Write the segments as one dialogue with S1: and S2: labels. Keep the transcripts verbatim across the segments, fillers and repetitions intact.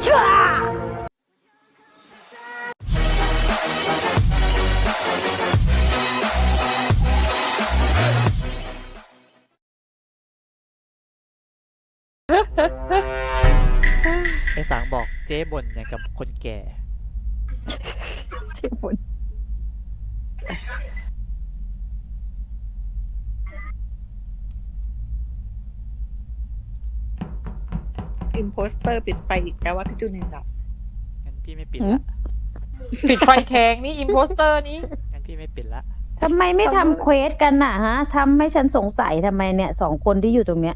S1: ชัว
S2: ไอ้สางบอกเจ๊บ่นอย่างกับคนแก่
S1: เจ็บปวด
S3: อิมโพสเตอร์ปิดไฟอีกแล้วว่าพี่จูนินดับ
S2: งั้นพี่ไม่ปิดละ
S4: ปิดไฟแข็งนี่อิมโพสเตอร์นี้
S2: งั้นพี่ไม่ปิดละ
S1: ทำไมไม่ทำเควสกันน่ะฮะทำให้ฉันสงสัยทำไมเนี่ยสองคนที่อยู่ตรงเนี้ย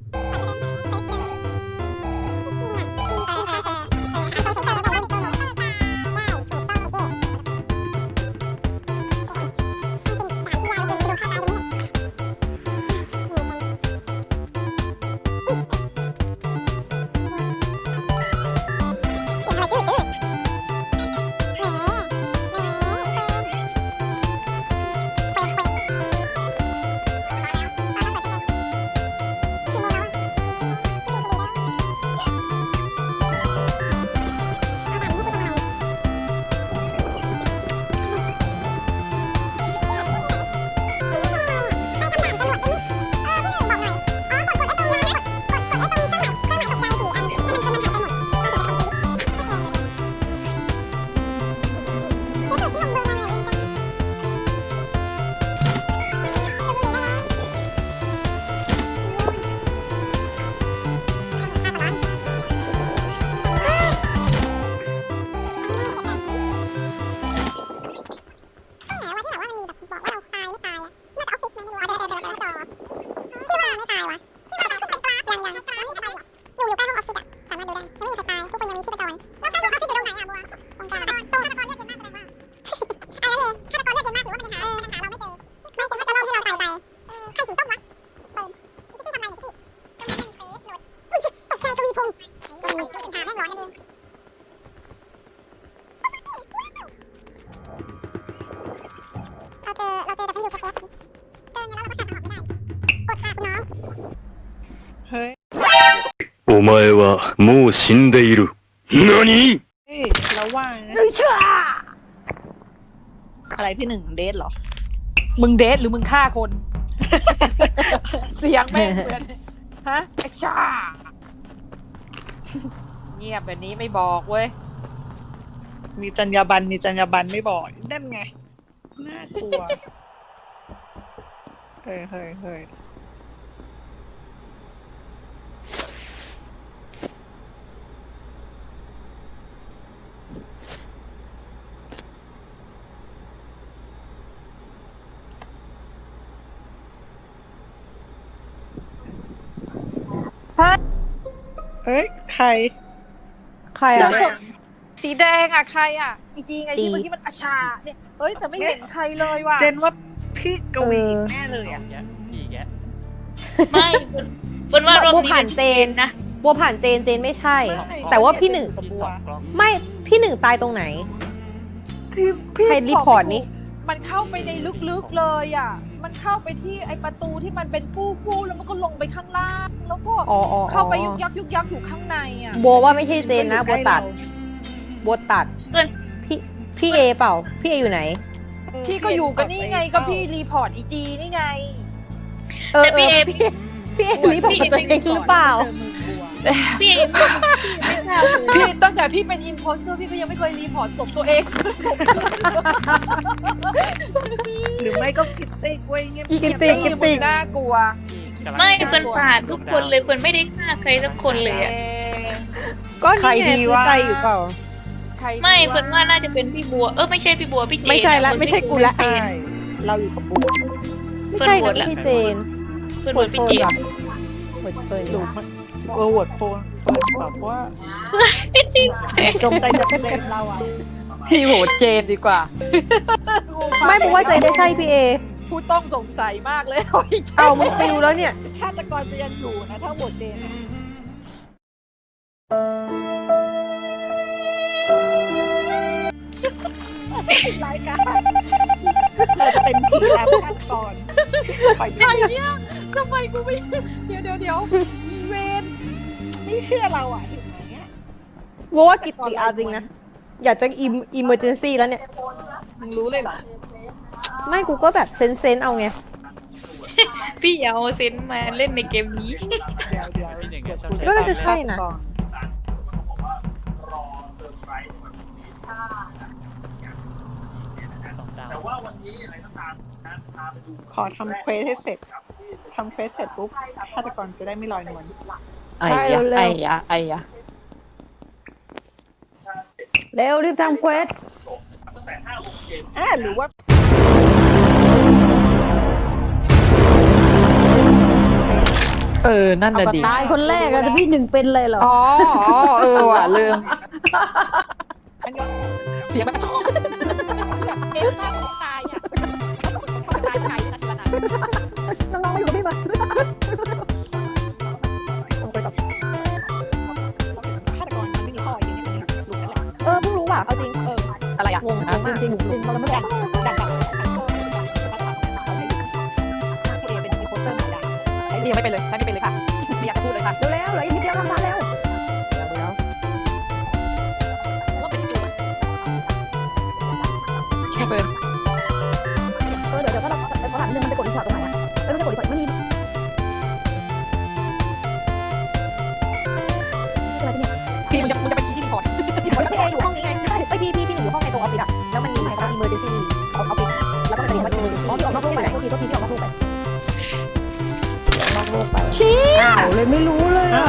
S5: お前はもう死んでいる。何？
S3: เฮ้ยแล้วว่านะ
S1: ชัว
S3: อะไรพี่หนึ่งเดทเหรอ
S4: มึงเดทหรือมึงฆ่าคน เสียงแม่งเหมือนฮะไอ้ชาเงียบแบบนี้ไม่บอกเว้ย
S3: มีจรรยาบรรณมีจรรยาบรรณไม่บอกนั่นไงน่ากลัวเฮ้ยเฮ้ยเฮ้ยเฮ้ยใครใคร
S4: เจ
S3: อ่ะ
S4: อศพสีแดงอ่ะใครอ่ะอีจีไงที่เมื่อกี้มันอาชาเนี่ยเฮ้ยแต่ไม่เห็นใครเลยว่ะ
S3: เจนว่าพี่กวีแน่เลยอ่ะ
S2: แกพี่แก
S6: ไม่ฝนว่ารอบ
S7: บัว
S6: นี้
S7: ผ่า
S6: เป็น น
S7: เจ
S6: เจ
S7: น
S6: นนะ
S7: บัวผ่านเจนเจนไม่ใช่
S3: ไม่
S7: แต่ว่าพี่หนึ่ง
S2: พี่สองกล้อง
S7: ไม่พี่หนึ่งตายตรงไหน
S3: พี่พี่
S7: ใครรีพอร์ตนี่
S4: มันเข้าไปในลึกๆเลยอ่ะมันเข้าไปที่ไอประตูที่มันเป็นฟู่ๆแล้วมันก็ลงไปข้างล่างแล้วก็
S7: อ๋ออ๋อ
S4: เข้าไปยุกยักยุกยักอยู่ข้างในอ่ะ
S7: บัวว่าไม่ใช่เจนนะบัวตัดบัวตัด
S6: เพื่อน
S7: พี่พี่เอเปล่า พี่เออยู่ไหน
S4: พี่ก็อยู่กันนี่ไงก็พี่รีพอร์ตอีจีนี่ไง
S7: เออ
S6: แต่พี่เอ
S7: พี่พี่เอรีพอร์ตตัวเองหรือเปล่า
S6: พี่เอไม่ไม่ทราบเลย
S4: พี่ตั้งแต่พี่เป็นอิมโพสเตอร์พี่ก็ยังไม่เคยรีพอร์ตศพตัวเอง
S3: หรือไม่ก็คิดติ๊กเว้ยเงียบ
S7: อีกิ
S3: เงียบ
S7: ติ๊กกิติ๊ก
S4: น่ากลัว
S2: พี่กำลัง
S6: ไม่เฟิร์นปาดทุกคนเลยเฟิร์นไม่ได้ฆ่าใครสักคนเลยอะ
S7: ก็
S3: ใคร
S7: นี่ไง
S3: ดี
S7: ซื้อ
S3: วะ
S7: ใจอยู่เปล่า
S4: ใคร
S6: ไม่เฟิร์นว่าน่าจะเป็นพี่บัวเออไม่ใช่พี่บัวพี่เจน
S7: ไม่ใช่ละ
S6: น
S7: ไม่ใช่กูละ
S6: เฟิร์น
S3: ใช่เราอยู่กับบัว
S7: ไม่ใช่นะไม่ใช่เจน
S6: เฟิร์นโหวตพี่เจน
S7: ว่ะเปิดเปิด
S3: ดู
S7: ว่ะ
S3: มันเออโหวตโฟนเฟิร์นแบบว่าจงใจจะเป็นเราอ่ะ
S4: พี่โหวตเจนดีกว่า
S7: ไม่บอกว่าเจนไม่ใช่พี่เอ
S4: ผู้ต้องสงสัยมากเลย
S7: เอามึงไปดูแล้วเนี่ย
S3: ฆาตกรจะยังอยู่นะถ้าโหวตเจนอะรายการเราจะเป็นผีแล้วฆาตกรไป
S4: ใครเนี่ยทำไมกูไม่เดี๋ยวเดี๋ยวเดี๋ยวเวน
S3: ไม่เชื่อเราอ่ะเห็นไหมอะ
S7: โว้ว่ากิตติเอาจริงนะ อยากจะอิมอิมเมอร์เจนซี่แล้วเนี่ย
S3: มึงรู้เลยเหรอ
S7: ไม่กูก็แบบเซนเซนเอาไง
S6: พี่อย่าเอาเซนส์มาเล่นในเกมนี้
S3: เดี๋ยวเดี๋ยว
S2: พี่หนึ่งอะชอบ
S7: ก็น่าจะใช่นะ
S3: ก่อน
S2: สองดาว
S3: ขอทำเควสให้เสร็จทำเควสเสร็จปุ๊บฆาตกรจะได้ไม่ลอยนวล
S7: ไอ้ยะไอ้ยะไอ้ยะ
S1: เร็วรีบทำเควส
S3: อ่าหรือว่า
S7: เออ นั่น
S1: เอา
S7: น่ะ
S1: ก็
S7: ดิ
S1: ตายคนแรกอะแต่พี่หนึ่งเป็นเลยเหรอ
S7: อ๋ออ๋อเออว่ะลืม
S3: อันนี้
S7: เสียงมันชอบเอ๊ะถ้าเขาตายอ่ะเขาตายใครนะสิละนะ
S1: น้องๆมาอยู่กับพี่มา
S3: ลงไปแบบฆาตกรมันไม่มีข้ออย่างนี้เนี่ยหลุดนั่นแหละ
S7: เออเพิ่งรู้ว่ะเอาจริง
S3: เออ
S7: อะไรอ่ะงงงงมาก
S1: จริงๆจริงๆเราไม่
S3: ดั
S1: ได้
S3: กดักดักขันโทษแล้วก็ถามเขาให้ดูพี่เอเป็นอีโคเตอร์เหมือนกัน
S7: ไอ้นี่ยังไม่เป็นเลยใช้ไม่เป็นเลยค่ะไม่อยากจะพูดเลยค่ะ
S1: เร็วๆเหลืออีกนิดเดียวทำทันเร็ว
S6: ว่าเป็นจุด
S7: ไม่เป็น
S1: เออเดี๋ยวเดี๋ยวก็เราเขาถามนิดนึงมันจะกดอีกพอร์ตตรงไหนอะเออมันจะกดอีกพอร์ตมันมีอะไรเนี่ย
S7: พี่มันจะมันจะเป็นคีย์ที่รีพอร์ตพี่เออยู่ห้องนี้ไงใช่ไอพี่พี่พี่หนูอยู่ห้องในตัวออฟฟิศอะแล้วมันมีอะไรบ้าง emergency ออฟฟิศแล้วก็มันจะเห็นว่า emergency
S1: อ๋อพี่ออกนอกโลกไป
S7: ไหน
S1: โทษทีโทษทีพี่ออกนอกโลกไปออกนอกโลกไปอ้าวเลยไม่รู้เลยอะ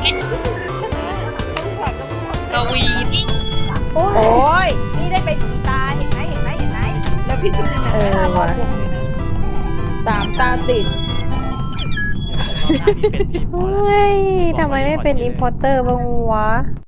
S6: กวีนี่
S1: โอ้
S7: โอ้
S1: ย
S7: ยนี่ได้เป็นกีตาร์เห็นไหมเห็นไหมเห็นไหม
S3: แล้วพี่จุ๊บเนี่ย
S1: เออ
S3: ห้ารอ
S1: ว่ะ
S3: บวงเลยนะ
S1: สามตาติด
S2: รอบหน้าพี่เป็นพี่พอ
S7: เฮ้
S2: แล้ว
S7: ยทำไมไม่เป็น importer บ้างวะ